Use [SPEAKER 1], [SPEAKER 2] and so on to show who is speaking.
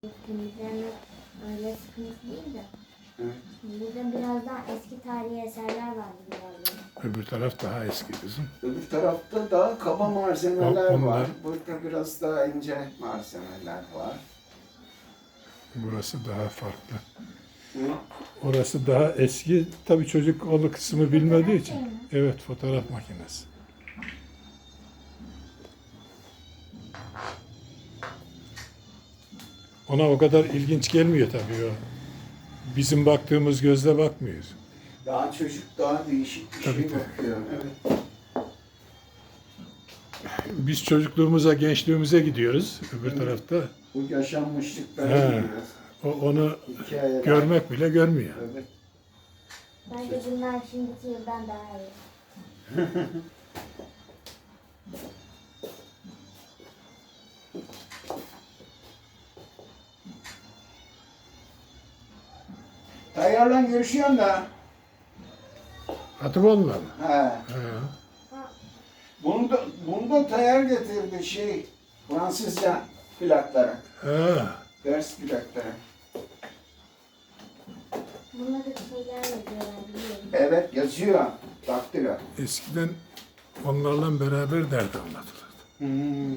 [SPEAKER 1] Temizleme öyle sıkıntı değil de.
[SPEAKER 2] Evet.
[SPEAKER 1] Burada biraz daha eski tarihi eserler vardı galiba.
[SPEAKER 3] Öbür taraf daha eski kızım.
[SPEAKER 2] Öbür tarafta daha kaba malzemeler
[SPEAKER 3] Onlar-
[SPEAKER 2] var. Burada biraz daha ince malzemeler var.
[SPEAKER 3] Burası daha farklı.
[SPEAKER 2] Hı?
[SPEAKER 3] Orası daha eski. Tabii çocuk o kısmı bilmediği için. Evet, fotoğraf makinesi. Ona o kadar ilginç gelmiyor tabii o. Bizim baktığımız gözle bakmıyor.
[SPEAKER 2] Daha çocuk daha değişik bir
[SPEAKER 3] Tabii,
[SPEAKER 2] şey
[SPEAKER 3] tabii.
[SPEAKER 2] bakıyor. Evet.
[SPEAKER 3] Biz çocukluğumuza, gençliğimize gidiyoruz öbür tarafta.
[SPEAKER 2] Bu yaşanmışlıklara
[SPEAKER 3] He.
[SPEAKER 2] gidiyoruz.
[SPEAKER 3] Onu
[SPEAKER 2] Hikayeler.
[SPEAKER 3] görmek bile görmüyor.
[SPEAKER 2] Evet.
[SPEAKER 1] Bence bunlar şimdiki yıldan daha iyi.
[SPEAKER 2] Tayyarla görüşüyorsun da.
[SPEAKER 3] Atıboğlu'na mı?
[SPEAKER 2] He.
[SPEAKER 3] He.
[SPEAKER 2] Bunu da Tayyar getirdi Fransızca plakları.
[SPEAKER 3] He.
[SPEAKER 2] Ders plakları.
[SPEAKER 1] Bunları şeyler yazıyorlar biliyorum.
[SPEAKER 2] Evet yazıyor. Daktilo.
[SPEAKER 3] Eskiden onlarla beraber dert anlatılırdı.
[SPEAKER 2] Hmm.